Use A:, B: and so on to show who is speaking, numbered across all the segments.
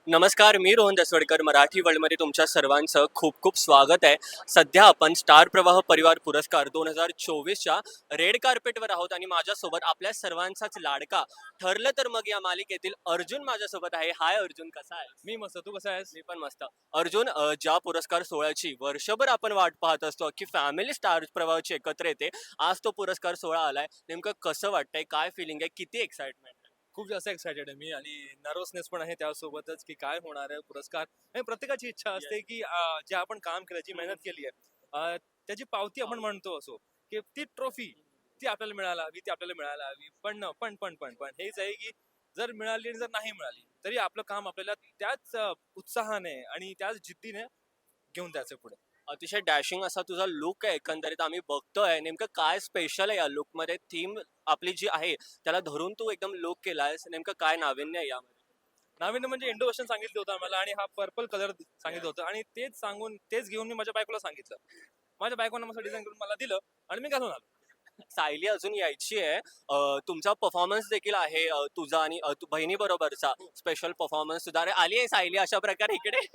A: नमस्कार, मी रोहन दसवडकर. मराठी वर्ल्डमध्ये तुमच्या सर्वांचं खूप खूप स्वागत आहे. सध्या आपण स्टार प्रवाह परिवार पुरस्कार 2024च्या रेड कार्पेटवर आहोत आणि माझ्यासोबत आपल्या सर्वांचाच लाडका ठरलं तर मग या मालिकेतील अर्जुन माझ्यासोबत आहे. हाय अर्जुन, कसा आहे?
B: मी मस्त. तू कसा आहेस?
A: मी पण मस्त. अर्जुन, ज्या पुरस्कार सोहळ्याची वर्षभर आपण वाट पाहत असतो की फॅमिली स्टार प्रवाहाची एकत्र येते, आज तो पुरस्कार सोहळा आलाय. नेमकं कसं वाटतंय, काय फिलिंग आहे, किती एक्साइटमेंट?
B: खूप जास्त एक्सायटेड आहे मी आणि नर्वसनेस पण आहे त्यासोबतच की काय होणार आहे पुरस्कार. आणि प्रत्येकाची इच्छा असते की जे आपण काम केलं, जी मेहनत केली आहे त्याची पावती आपण म्हणतो असो की ती ट्रॉफी ती आपल्याला मिळायला हवी, ती आपल्याला मिळायला हवी. पण हेच आहे की जर मिळाली आणि जर नाही मिळाली तरी आपलं काम आपल्याला त्याच उत्साहाने आणि त्याच जिद्दीने घेऊन जायचं पुढे.
A: अतिशय डॅशिंग असा तुझा लुक आहे, एकंदरीत आम्ही बघतोय. नेमकं काय स्पेशल आहे या लुक मध्ये? थीम आपली जी आहे त्याला धरून तू एकदम लुक केलायस, नेमकं काय नाविन्य आहे यामध्ये?
B: नाविन्य म्हणजे इंडो वेस्टर्न सांगितलं होतं आम्हाला आणि हा पर्पल कलर सांगितलं होतं आणि तेच घेऊन मी माझ्या बायकोला सांगितलं. माझ्या बायकोनं मस्त डिझाईन करून मला दिलं आणि मी घालून आलो.
A: सायली अजून यायची आहे. तुमचा परफॉर्मन्स देखील आहे, तुझा आणि बहिणी बरोबरचा स्पेशल परफॉर्मन्स सुद्धा. अरे आली आहे सायली अशा प्रकारे इकडे.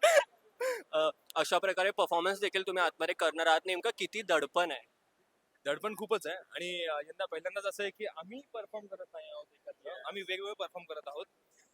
A: अशा प्रकारे परफॉर्मन्स देखील तुम्ही आतमध्ये करणार आहात. नेमकं किती दडपण आहे?
B: दडपण खूपच आहे आणि यंदा पहिल्यांदाच असं आहे की आम्ही परफॉर्म करत नाही आहोत एकत्र. आम्ही वेगवेगळे परफॉर्म करत आहोत.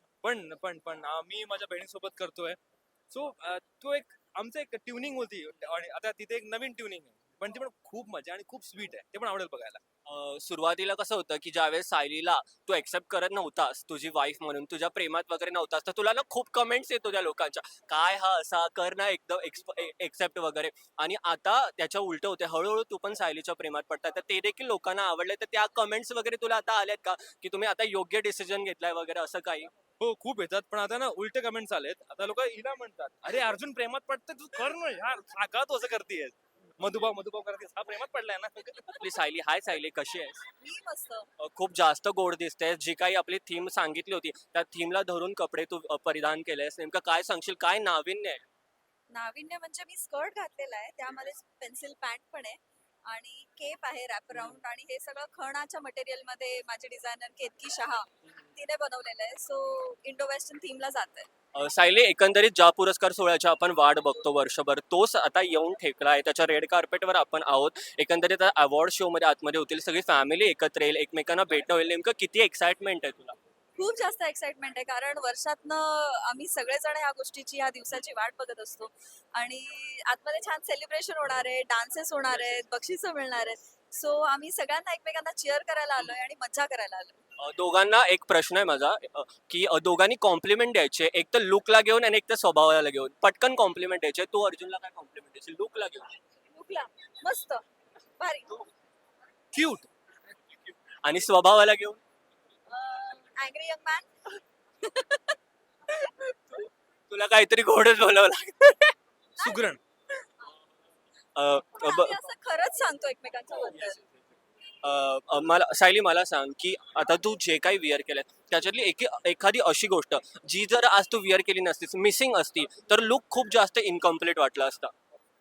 B: पण आम्ही माझ्या बहिणीसोबत करतोय. सो तो एक आमचं एक ट्युनिंग होती आणि आता तिथे एक नवीन ट्युनिंग आहे. पण ती पण खूप मजा आणि खूप स्वीट आहे. ते पण आवडेल बघायला.
A: सुरुवातीला कसं होतं की ज्यावेळेस सायलीला तू एक्सेप्ट करत नव्हतास तुझी वाईफ म्हणून, तुझ्या प्रेमात वगैरे नव्हतास, तर तुला ना खूप कमेंट्स येत होत्या लोकांच्या, काय हा असा कर ना एकदम एक्सेप्ट वगैरे. आणि आता त्याच्या उलट होते, हळूहळू तू पण सायलीच्या प्रेमात पडतात, तर ते देखील लोकांना आवडले. तर त्या कमेंट्स वगैरे तुला आता आल्यात का, की तुम्ही आता योग्य डिसिजन घेतलाय वगैरे असं काही?
B: हो, खूप येतात. पण आता ना उलटे कमेंट्स आलेत. आता लोक हिला म्हणतात, "अरे अर्जुन प्रेमात पडतंय तू कर ना यार. का तू असं करतेयस? मधुभाव करतेस. हा प्रेमात पडलाय ना."
A: आपली सायली, हाय सायली, कशी आहेस?
C: मी मस्त.
A: खूप जास्त गोड दिसते. जी काही आपली थीम सांगितली होती त्या थीमला धरून कपडे तू परिधान केलेस. नेमकं काय सांगशील, काय नाविन्य आहे?
C: नाविन्य म्हणजे मी स्कर्ट घातलेला आहे, त्यामध्ये पेन्सिल पॅन्ट पण आहे आणि केप आहे रॅप अराउंड आणि हे सगळं खणाच्या मटेरियल मध्ये माझी डिझायनर केतकी शहा तिने बनवलेलं आहे. सो इंडो वेस्टर्न थीमला जात आहे.
A: सायली, एकंदरीत ज्या पुरस्कार सोहळ्याची आपण वाट बघतो वर्षभर, तोच आता येऊन ठेकला आहे. त्याच्या रेड कार्पेटवर आपण आहोत. एकंदरीत अवॉर्ड शो मध्ये आतमध्ये होतील, सगळी फॅमिली एकत्र येईल, एकमेकांना भेटणं होईल. नेमकं किती एक्साइटमेंट आहे तुला?
C: खूप जास्त एक्साइटमेंट आहे कारण वर्षातनं आम्ही सगळेजण ह्या गोष्टीची ह्या दिवसाची वाट बघत असतो आणि आतमध्ये छान सेलिब्रेशन होणार आहे, डान्सेस होणार आहेत, बक्षिसं मिळणार आहेत. सो आम्ही सगळ्यांना एकमेकांना चिअर करायला आलोय आणि मज्जा करायला आलोय.
A: दोघांना एक प्रश्न आहे माझा, की दोघांनी कॉम्प्लिमेंट द्यायचे, एक तर लुकला घेऊन आणि एक तर स्वभावाला घेऊन. पटकन कॉम्प्लिमेंट द्यायचे. तू अर्जुनला काय कॉम्प्लिमेंट द्यायची, लुकला घेऊन
C: लुकला मस्त, भारी.
B: क्यूट.
A: आणि स्वभावाला घेऊन?
C: Angry young man.
A: तुला काहीतरी गोडच बोलावं लागतं.
B: सुगरण.
C: आम्ही असं खरंच सांगतो एकमेकांच्या बद्दल.
A: मला सायली, मला सांग की आता तू जे काही विअर केलंय त्याच्यातली एखादी अशी गोष्ट जी जर आज तू विअर केली नसतीस, मिसिंग असती, तर लुक खूप जास्त इनकम्प्लीट वाटला असता.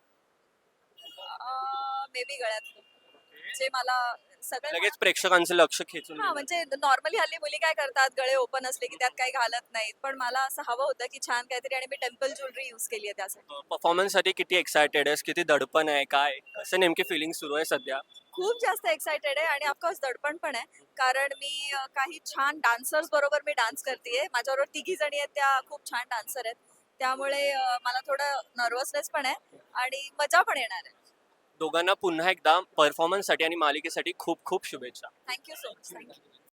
C: मे बी गळ्यात जे मला सगळे
A: लगेच प्रेक्षकांचं लक्ष खेचून
C: हा म्हणजे नॉर्मली हल्ली मुली काय करतात, गळे ओपन असले की त्यात काही घालत नाहीत, पण मला असं हवं होतं की छान काहीतरी आणि मी टेम्पल ज्वेलरी यूज केली आहे त्यासाठी.
A: परफॉर्मन्स साठी किती एक्सायटेड आहेस, किती दडपण आहे, काय असं नेमकी फिलिंग सुरू आहे सध्या?
C: खूप जास्त एक्सायटेड आहे आणि ऑफकोर्स दडपण पण आहे कारण मी काही छान डान्सर्स बरोबर मी डान्स करतेय. माझ्याबरोबर तिघी जणी आहेत, त्या खूप छान डान्सर आहेत, त्यामुळे मला थोडं नर्वसनेस पण आहे आणि मजा पण येणार आहे.
A: दोघांना पुन्हा एकदा परफॉर्मन्स साठी आणि मालिकेसाठी खूप खूप शुभेच्छा.
C: Thank you so much. थँक्यू.